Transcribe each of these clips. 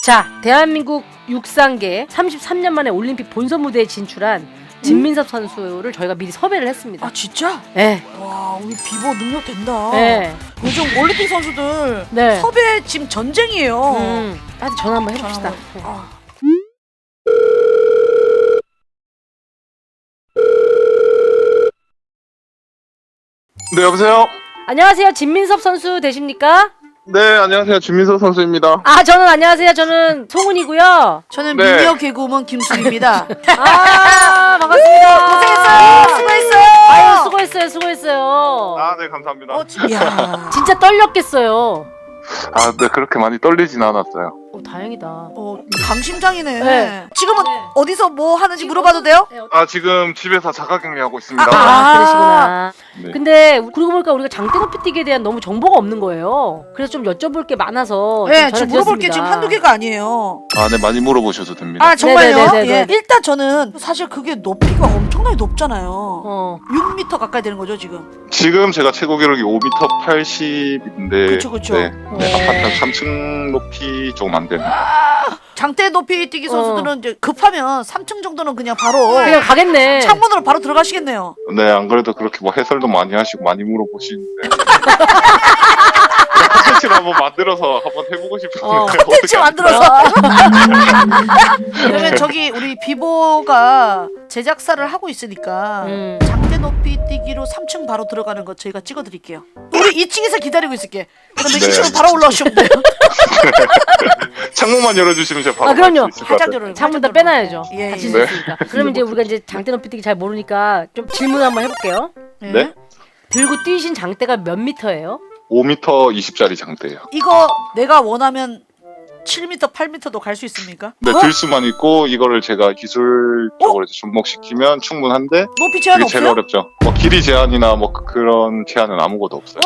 자, 대한민국 육상계 33년 만에 올림픽 본선 무대에 진출한 진민섭 선수를 저희가 미리 섭외를 했습니다. 아 진짜? 네. 와 우리 비보 능력 된다. 네. 요즘 올림픽 선수들 네. 섭외 지금 전쟁이에요. 나한테 전화 한번 해봅시다. 네. 네, 여보세요? 안녕하세요. 진민섭 선수 되십니까? 네, 안녕하세요. 진민서 선수입니다. 아, 저는 안녕하세요. 저는 송은이고요. 저는 네. 미녀 개그우먼 김수입니다. 아, 반갑습니다. 고생했어요. 수고했어요. 아유, 수고했어요. 수고했어요. 아, 네, 감사합니다. 야. 진짜 떨렸겠어요. 아, 네, 그렇게 많이 떨리진 않았어요. 다행이다. 강심장이네. 네. 지금은 네. 어디서 뭐 하는지 물어봐도 돼요? 아, 지금 집에서 자가격리하고 있습니다. 그러시구나. 네. 근데 그러고 보니까 우리가 장대 높이 뛰기에 대한 너무 정보가 없는 거예요. 그래서 좀 여쭤볼 게 많아서 네, 좀 지금 전화 물어볼 게 드렸습니다. 지금 한두 개가 아니에요. 아, 네, 많이 물어보셔도 됩니다. 아 정말요? 네네네네. 예. 일단 저는 사실 그게 높이가 엄청나게 높잖아요. 6m 가까이 되는 거죠 지금. 지금 제가 최고 기록이 5m 80인데. 그쵸, 그쵸. 네, 한 3층 높이 조금 안 되는. 장대 높이 뛰기 선수들은 이제 급하면 3층 정도는 그냥 바로 그냥 가겠네. 창문으로 바로 들어가시겠네요. 네, 안 그래도 그렇게 뭐 해설도 많이 하시고 많이 물어보시는데. 콘텐츠를 한번 만들어서 한번 해보고 싶은데. 콘텐츠 만들어서. 그러면 저기 우리 비보가 제작사를 하고 있으니까 장대 높이 뛰기로 3층 바로 들어가는 거 저희가 찍어드릴게요. 우리 2층에서 기다리고 있을게. 그러면 네. 2층으로 바로 올라오시면 돼요. 창문만 열어주시면 제가 바로 그럼요. 갈수 있을 것 활짝 같아요. 열어요. 창문 다 활짝 열어요. 빼놔야죠. 예, 같이 예. 있을 네. 수 있으니까. 그러면 이제 우리가 이제 장대 높이 뛰기 잘 모르니까 좀 질문 한번 해볼게요. 네? 들고 뛰신 장대가 몇 미터예요? 5m 20짜리 장대예요. 이거 내가 원하면 7m, 8m도 갈 수 있습니까? 네, 들 수만 있고 이거를 제가 기술적으로 이제 접목시키면 충분한데 높이 제한 그게 제일 없어요? 어렵죠. 뭐 길이 제한이나 뭐 그런 제한은 아무것도 없어요.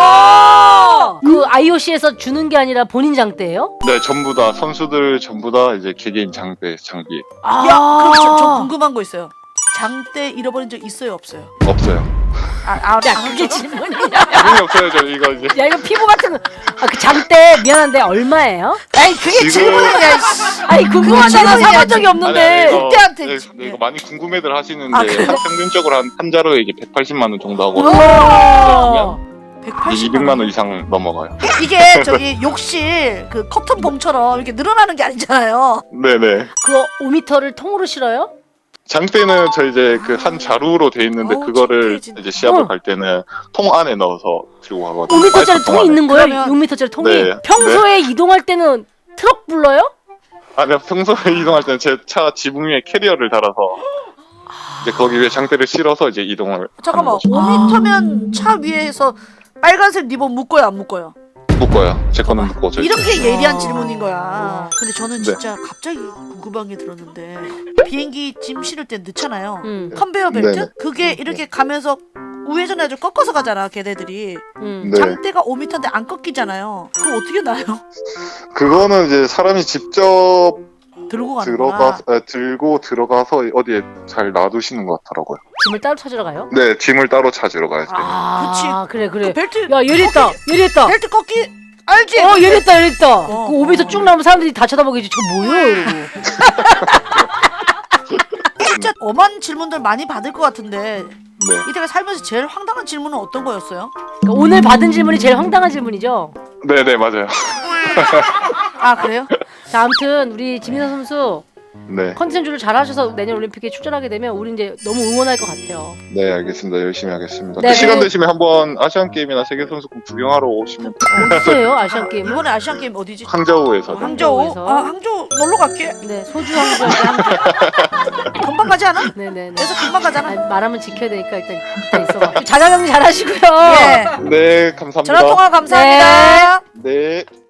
와! 그 IOC에서 주는 게 아니라 본인 장대예요? 네, 전부 다 선수들 전부 다 이제 개개인 장비. 야, 그럼 저 궁금한 거 있어요. 장대 잃어버린 적 있어요, 없어요? 없어요. 야, 그게 질문이야. 당연히 없어요. 저 이거 이제 야, 이거 피부 같은 거. 그 장대 미안한데 얼마예요? 아니 그게 지금- 질문이냐? 씨. 아니, 궁금하잖아. 질문이야, 사본 적이 없는데. 아니, 이거, 국대한테 네, 지금. 이거 많이 궁금해들 하시는데 아, 그래요? 평균적으로 한 자루에 이게 180만 원 정도 하고 우와. 180만 200만 원 이상 넘어가요. 이게 저기 욕실 그 커튼 봉처럼 이렇게 늘어나는 게 아니잖아요. 네네. 그거 5m를 통으로 실어요? 장대는 저 이제 그 한 자루로 돼 있는데 어우, 그거를 창피해, 진짜. 이제 시합을 갈 때는 통 안에 넣어서 들고 가거든요. 5m짜리 파이프 통 통이 안에. 있는 거예요? 그러면- 6m짜리 통이? 네. 평소에 이동할 때는 트럭 불러요? 아니요, 평소에 이동할 때는 제 차 지붕 위에 캐리어를 달아서 이제 거기 위에 장대를 실어서 이제 이동을 잠깐만, 하는 거죠. 5m면 차 위에서 빨간색 리본 묶어요, 안 묶어요? 묶어요. 제 거는 묶고 저 이런 게 예리한 아. 질문인 거야. 근데 저는 네. 진짜 갑자기 궁금한 게 들었는데 비행기 짐 실을 때 넣잖아요. 응. 컨베이어 벨트? 네네. 그게 이렇게 가면서 우회전해 가지고 꺾어서 가잖아, 걔네들이. 응. 네. 장대가 5m인데 안 꺾이잖아요. 그거 어떻게 나요? 그거는 이제 사람이 직접 들고 가는구나. 들고 들어가서 어디에 잘 놔두시는 것 같더라고요. 짐을 따로 찾으러 가요? 네, 짐을 따로 찾으러 가야 돼요. 아, 그래. 그 벨트 야, 예리했다. 예리했다. 벨트 꺾기 알지? 예리했다, 예리했다. 어, 그 5m 쭉 나오면 사람들이 다 쳐다보겠지. 저거 뭐예요? 이러고. 진짜 엄한 질문들 많이 받을 것 같은데 네. 이때가 살면서 제일 황당한 질문은 어떤 거였어요? 그러니까 오늘 받은 질문이 제일 황당한 질문이죠? 네네, 맞아요. 아 그래요? 자, 아무튼 우리 지민선 선수 네. 컨텐츠를 잘하셔서 내년 올림픽에 출전하게 되면 우리 이제 너무 응원할 것 같아요. 네, 알겠습니다. 열심히 하겠습니다. 네, 그 시간 네. 되시면 한번 아시안게임이나 세계선수권 구경하러 오시면 어디서요, 아시안 게임은? 이번에 아시안 게임 어디지? 항저우에서. 항저우? 항저우에서. 아 항저우 놀러 갈게. 네, 소주 한 잔. 금방 가지 않아? 네네네. 그래서 금방 가잖아. 아니, 말하면 지켜야 되니까 일단 있어. 자가격리 잘하시고요. 예. 네, 감사합니다. 전화 통화 감사합니다. 네.